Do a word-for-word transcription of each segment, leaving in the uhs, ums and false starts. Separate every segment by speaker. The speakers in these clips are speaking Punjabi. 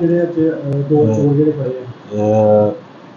Speaker 1: ਜਿਹੜੇ ਅੱਜ ਅਹ, ਦੋ ਚੋਰ ਜਿਹੜੇ ਫੜੇ ਆ।
Speaker 2: ਅਹ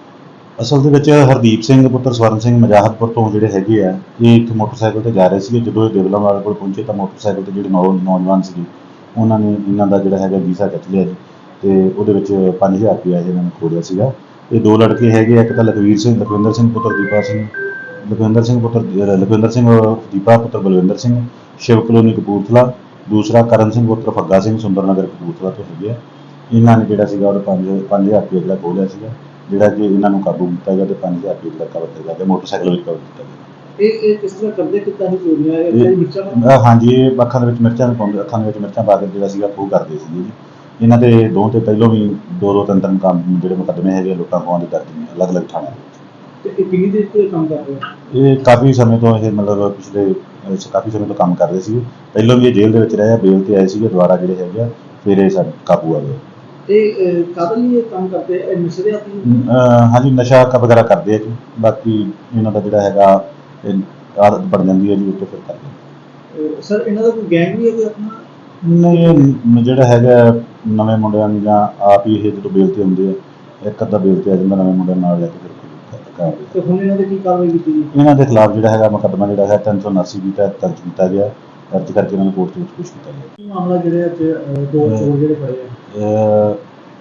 Speaker 2: ਅਸਲ ਦੇ ਵਿੱਚ ਹਰਦੀਪ ਸਿੰਘ ਪੁੱਤਰ ਸਵਰਨ ਸਿੰਘ ਮਜਾਹਤਪੁਰ ਤੋਂ ਜਿਹੜੇ ਹੈਗੇ ਆ, ਇਹ ਇੱਕ ਮੋਟਰਸਾਈਕਲ ਤੇ ਜਾ ਰਹੇ ਸੀਗੇ। ਜਦੋਂ ਇਹ ਦੇਵਲਾ ਵਾਲੇ ਕੋਲ ਪਹੁੰਚੇ ਤਾਂ ਮੋਟਰਸਾਈਕਲ ਤੇ ਜਿਹੜੇ ਨੌ ਨੌਜਵਾਨ ਸੀਗੇ ਉਹਨਾਂ ਨੇ ਇਹਨਾਂ ਦਾ ਜਿਹੜਾ ਹੈਗਾ ਵੀਜ਼ਾ ਖਿੱਚ ਲਿਆ ਜੀ, ਤੇ ਉਹਦੇ ਵਿੱਚ ਪੰਜ ਹਜ਼ਾਰ ਰੁਪਇਆ ਇਹਨਾਂ ਨੇ ਖੋਲਿਆ ਸੀਗਾ। ਇਹ ਦੋ ਲੜਕੇ ਹੈਗੇ ਆ, ਇੱਕ ਤਾਂ ਲਖਵੀਰ ਸਿੰਘ ਲਖਵਿੰਦਰ ਸਿੰਘ ਪੁੱਤਰ ਦੀਪਾ ਸਿੰਘ ਲਖਵਿੰਦਰ ਸਿੰਘ ਪੁੱਤਰ ਅਹ ਲਖਵਿੰਦਰ ਸਿੰਘ ਦੀਪਾ ਪੁੱਤਰ ਬਲਵਿੰਦਰ ਸਿੰਘ, ਸ਼ਿਵ ਕਲੋਨੀ ਕਪੂਰਥਲਾ। ਦੂਸਰਾ ਕਰਨ ਸਿੰਘ ਪੁੱਤਰ ਫੱਗਾ ਸਿੰਘ ਸੁੰਦਰ ਨਗਰ ਕਪੂਰਥਲਾ ਤੋਂ ਹੈਗੇ ਆ। ਇਹਨਾਂ ਨੇ ਜਿਹੜਾ ਸੀਗਾ ਉਹ ਪੰਜ ਪੰਜ ਹਜ਼ਾਰ ਰੁਪਏ ਜਿਹੜਾ ਖੋਲਿਆ ਸੀਗਾ, ਜਿਹੜਾ ਕਿ ਇਹਨਾਂ ਨੂੰ ਕਾਬੂ ਕੀਤਾ ਗਿਆ ਤੇ ਪੰਜ ਹਜ਼ਾਰ ਰੁਪਏ ਜਿਹੜਾ ਕਵਰ ਕੀਤਾ ਗਿਆ, ਮੋਟਰਸਾਈਕਲ ਵਿੱਚ ਕਵਰ ਕੀਤਾ ਗਿਆ।
Speaker 1: ਇਹ ਇਹ ਕਿਸ ਤਰ੍ਹਾਂ ਕਰਦੇ ਕਿੱਦਾਂ ਹੀ ਚੋਰੀਆਂ ਇਹ ਜਿਹੜੀ ਮਿਰਚਾਂ ਨਾਲ?
Speaker 2: ਅਹ ਹਾਂਜੀ, ਇਹ ਅੱਖਾਂ ਦੇ ਵਿੱਚ ਮਿਰਚਾਂ ਵੀ ਪਾਉਂਦੇ, ਅੱਖਾਂ ਦੇ ਵਿੱਚ ਮਿਰਚਾਂ ਪਾ ਕੇ ਜਿਹੜਾ ਸੀਗਾ ਖੋਹ ਕਰਦੇ ਸੀਗੇ ਜੀ। ਇਹਨਾਂ ਦੇ ਦੋ ਤੇ ਪਹਿਲੋਂ ਵੀ ਦੋ ਦੋ ਤਿੰਨ ਤਿੰਨ ਕੰਮ ਜਿਹੜੇ ਮੁਕੱਦਮੇ ਹੈਗੇ ਲੁੱਟਾਂ ਖੋਹਾਂ ਦੇ ਦਰਜ ਨੇ ਅਲੱਗ-ਅਲੱਗ ਥਾਣਿਆਂ ਦੇ ਵਿੱਚ।
Speaker 1: ਤੇ ਇਹ ਕਿੰਨੀ ਦੇਰ ਤੋਂ ਇਹ ਕੰਮ ਕਰ ਰਹੇ ਆ?
Speaker 2: ਇਹ ਕਾਫੀ ਸਮੇਂ ਤੋਂ ਇਹ ਮਤਲਬ ਪਿਛਲੇ ਅਹ ਕਾਫੀ ਸਮੇਂ ਤੋਂ ਕੰਮ ਕਰ ਰਹੇ ਸੀ। ਪਹਿਲਾਂ ਵੀ ਇਹ ਜੇਲ੍ਹ ਦੇ ਵਿੱਚ ਰਹੇ ਆ, ਬੇਲ ਤੇ ਆਏ ਸੀਗੇ, ਦੁਬਾਰਾ ਜਿਹੜੇ ਹੈਗੇ ਆ ਫਿਰ ਇਹ ਸਾਡੇ ਕਾਬੂ ਆ ਗਏ।
Speaker 1: ਇਹ ਕਾਹਦੇ ਲਈ ਇਹ ਕੰਮ ਕਰਦੇ ਆ? ਇਹ ਨਸ਼ੇ ਆਪਣੀ?
Speaker 2: ਅਹ ਹਾਂਜੀ, ਨਸ਼ਾ ਕ ਵਗੈਰਾ ਕਰਦੇ ਆ ਜੀ। ਬਾਕੀ ਇਹਨਾਂ ਦਾ ਜਿਹੜਾ ਹੈਗਾ ਇਹ ਆਦਤ ਬਣ ਜਾਂਦੀ ਹੈ ਜੀ, ਉੱਤੇ ਫਿਰ ਕਰਦੇ।
Speaker 1: ਸਰ ਇਹਨਾਂ ਦਾ ਕੋਈ ਗੈਂਗ ਵੀ ਹੈ ਕੋਈ ਆਪਣਾ?
Speaker 2: ਨਹੀਂ, ਇਹ ਜਿਹੜਾ ਹੈਗਾ ਨਵੇਂ ਮੁੰਡਿਆਂ ਨੂੰ ਜਾਂ ਆਪ ਹੀ ਇਹ ਜਦੋਂ ਬੇਲ ਤੇ ਹੁੰਦੇ ਆ, ਇੱਕ ਅੱਧਾ ਬੇਲ ਤੇ ਆ ਜਾਂਦਾ, ਨਵੇਂ ਮੁੰਡਿਆਂ ਨਾਲ ਲੈ ਕੇ ਫਿਰ ਕਰਦੇ।
Speaker 1: ਤੇ ਹੁਣ ਇਹਨਾਂ ਦੇ ਕੀ ਕਾਰਵਾਈ ਕੀਤੀ ਜੀ?
Speaker 2: ਇਹਨਾਂ ਦੇ ਖਿਲਾਫ ਜਿਹੜਾ ਹੈਗਾ ਮੁਕੱਦਮਾ ਜਿਹੜਾ ਹੈ ਤਿੰਨ ਸੌ ਉਨਾਸੀ ਦੀ ਤਹਿਤ ਦਰਜ ਕੀਤਾ ਗਿਆ, ਦਰਜ ਕਰਕੇ ਇਹਨਾਂ ਨੂੰ ਕੋਰਟ ਦੇ ਵਿੱਚ ਪੇਸ਼ ਕੀਤਾ ਗਿਆ।
Speaker 1: ਕੀ ਮਾਮਲਾ ਜਿਹੜੇ ਅੱਜ ਅਹ, ਦੋ ਚੋਰ ਜਿਹੜੇ ਫੜੇ ਆ?
Speaker 2: ਅਹ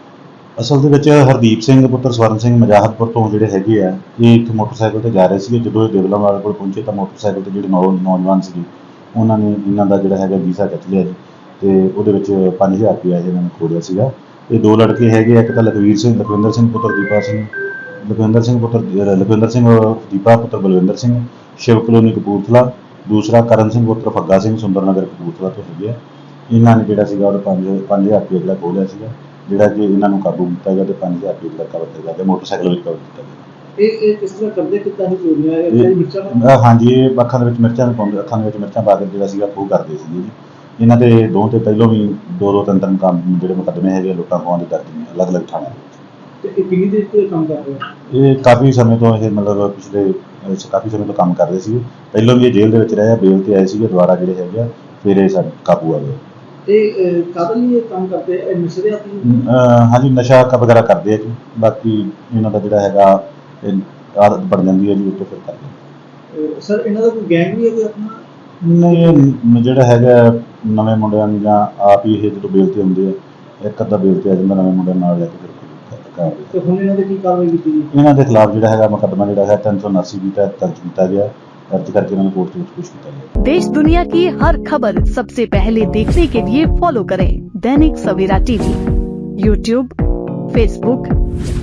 Speaker 2: ਅਸਲ ਦੇ ਵਿੱਚ ਹਰਦੀਪ ਸਿੰਘ ਪੁੱਤਰ ਸਵਰਨ ਸਿੰਘ ਮਜਾਹਤਪੁਰ ਤੋਂ ਜਿਹੜੇ ਹੈਗੇ ਆ, ਇਹ ਇੱਕ ਮੋਟਰਸਾਈਕਲ ਤੇ ਜਾ ਰਹੇ ਸੀਗੇ। ਜਦੋਂ ਇਹ ਦੇਵਲਾ ਵਾਲੇ ਕੋਲ ਪਹੁੰਚੇ ਤਾਂ ਮੋਟਰਸਾਈਕਲ ਤੇ ਜਿਹੜੇ ਨੌ ਨੌਜਵਾਨ ਸੀਗੇ ਉਹਨਾਂ ਨੇ ਇਹਨਾਂ ਦਾ ਜਿਹੜਾ ਹੈਗਾ ਵੀਜ਼ਾ ਖਿੱਚ ਲਿਆ ਜੀ, ਤੇ ਉਹਦੇ ਵਿੱਚ ਪੰਜ ਹਜ਼ਾਰ ਰੁਪਇਆ ਇਹਨਾਂ ਨੇ ਖੋਲਿਆ ਸੀਗਾ। ਇਹ ਦੋ ਲੜਕੇ ਹੈਗੇ ਆ, ਇੱਕ ਤਾਂ ਲਖਵੀਰ ਸਿੰਘ ਲਖਵਿੰਦਰ ਸਿੰਘ ਪੁੱਤਰ ਦੀਪਾ ਸਿੰਘ ਲਖਵਿੰਦਰ ਸਿੰਘ ਪੁੱਤਰ ਅਹ ਲਖਵਿੰਦਰ ਸਿੰਘ ਦੀਪਾ ਪੁੱਤਰ ਬਲਵਿੰਦਰ ਸਿੰਘ, ਸ਼ਿਵ ਕਲੋਨੀ ਕਪੂਰਥਲਾ। ਦੂਸਰਾ ਕਰਨ ਸਿੰਘ ਪੁੱਤਰ ਫੱਗਾ ਸਿੰਘ ਸੁੰਦਰ ਨਗਰ ਕਪੂਰਥਲਾ ਤੋਂ ਹੈਗੇ ਆ। ਇਹਨਾਂ ਨੇ ਜਿਹੜਾ ਸੀਗਾ ਉਹ ਪੰਜ ਪੰਜ ਹਜ਼ਾਰ ਰੁਪਏ ਜਿਹੜਾ ਖੋਲਿਆ ਸੀਗਾ, ਜਿਹੜਾ ਕਿ ਇਹਨਾਂ ਨੂੰ ਕਾਬੂ ਕੀਤਾ ਗਿਆ ਤੇ ਪੰਜ ਹਜ਼ਾਰ ਰੁਪਏ ਜਿਹੜਾ ਕਵਰ ਕੀਤਾ ਗਿਆ, ਮੋਟਰਸਾਈਕਲ ਵਿੱਚ ਕਵਰ ਕੀਤਾ ਗਿਆ।
Speaker 1: ਇਹ ਇਹ ਕਿਸ ਤਰ੍ਹਾਂ ਕਰਦੇ ਕਿੱਦਾਂ ਹੀ ਚੋਰੀਆਂ ਇਹ ਜਿਹੜੀ ਮਿਰਚਾਂ ਨਾਲ?
Speaker 2: ਅਹ ਹਾਂਜੀ, ਇਹ ਅੱਖਾਂ ਦੇ ਵਿੱਚ ਮਿਰਚਾਂ ਵੀ ਪਾਉਂਦੇ, ਅੱਖਾਂ ਦੇ ਵਿੱਚ ਮਿਰਚਾਂ ਪਾ ਕੇ ਜਿਹੜਾ ਸੀਗਾ ਖੋਹ ਕਰਦੇ ਸੀਗੇ ਜੀ। ਇਹਨਾਂ ਦੇ ਦੋ ਤੇ ਪਹਿਲੋਂ ਵੀ ਦੋ ਦੋ ਤਿੰਨ ਤਿੰਨ ਕੰਮ ਜਿਹੜੇ ਮੁਕੱਦਮੇ ਹੈਗੇ ਲੁੱਟਾਂ ਖੋਹਾਂ ਦੇ ਦਰਜ ਨੇ ਅਲੱਗ-ਅਲੱਗ ਥਾਣਿਆਂ ਦੇ ਵਿੱਚ।
Speaker 1: ਤੇ ਇਹ ਕਿੰਨੀ ਦੇਰ ਤੋਂ ਇਹ ਕੰਮ ਕਰ ਰਹੇ ਆ?
Speaker 2: ਇਹ ਕਾਫੀ ਸਮੇਂ ਤੋਂ ਇਹ ਮਤਲਬ ਪਿਛਲੇ ਅਹ ਕਾਫੀ ਸਮੇਂ ਤੋਂ ਕੰਮ ਕਰ ਰਹੇ ਸੀ। ਪਹਿਲਾਂ ਵੀ ਇਹ ਜੇਲ੍ਹ ਦੇ ਵਿੱਚ ਰਹੇ ਆ, ਬੇਲ ਤੇ ਆਏ ਸੀਗੇ, ਦੁਬਾਰਾ ਜਿਹੜੇ ਹੈਗੇ ਆ ਫਿਰ ਇਹ ਸਾਡੇ ਕਾਬੂ ਆ ਗਏ।
Speaker 1: ਇਹ ਕਾਹਦੇ ਲਈ ਇਹ ਕੰਮ ਕਰਦੇ ਆ? ਇਹ ਨਸ਼ੇ ਆਪਣੀ?
Speaker 2: ਅਹ ਹਾਂਜੀ, ਨਸ਼ਾ ਕ ਵਗੈਰਾ ਕਰਦੇ ਆ ਜੀ। ਬਾਕੀ ਇਹਨਾਂ ਦਾ ਜਿਹੜਾ ਹੈਗਾ ਇਹ ਆਦਤ ਬਣ ਜਾਂਦੀ ਹੈ ਜੀ, ਉੱਤੇ ਫਿਰ ਕਰਦੇ।
Speaker 1: ਸਰ ਇਹਨਾਂ ਦਾ ਕੋਈ ਗੈਂਗ ਵੀ ਹੈ ਕੋਈ ਆਪਣਾ?
Speaker 2: ਨਹੀਂ, ਇਹ ਜਿਹੜਾ ਹੈਗਾ ਨਵੇਂ ਮੁੰਡਿਆਂ ਨੂੰ ਜਾਂ ਆਪ ਹੀ ਇਹ ਜਦੋਂ ਬੇਲ ਤੇ ਹੁੰਦੇ ਆ, ਇੱਕ ਅੱਧਾ ਬੇਲ ਤੇ ਆ ਜਾਂਦਾ, ਨਵੇਂ ਮੁੰਡਿਆਂ ਨਾਲ ਲੈ ਕੇ ਫਿਰ ਕਰਦੇ।
Speaker 1: ਤੇ ਹੁਣ ਇਹਨਾਂ ਦੇ ਕੀ ਕਾਰਵਾਈ ਕੀਤੀ ਜੀ?
Speaker 2: ਇਹਨਾਂ ਦੇ ਖਿਲਾਫ ਜਿਹੜਾ ਹੈਗਾ ਮੁਕੱਦਮਾ ਜਿਹੜਾ ਹੈ ਤਿੰਨ ਸੌ ਉਨਾਸੀ ਦੀ ਤਹਿਤ ਦਰਜ ਕੀਤਾ ਗਿਆ, दर्ज करके उन्होंने कोर्ट के पेश किया।
Speaker 3: देश दुनिया की हर खबर सबसे पहले देखने के लिए फॉलो करें Dainik Savera TV, YouTube, Facebook,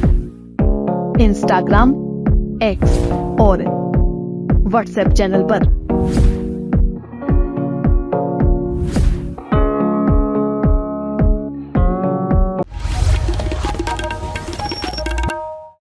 Speaker 3: Instagram, X और व्हाट्सएप चैनल पर।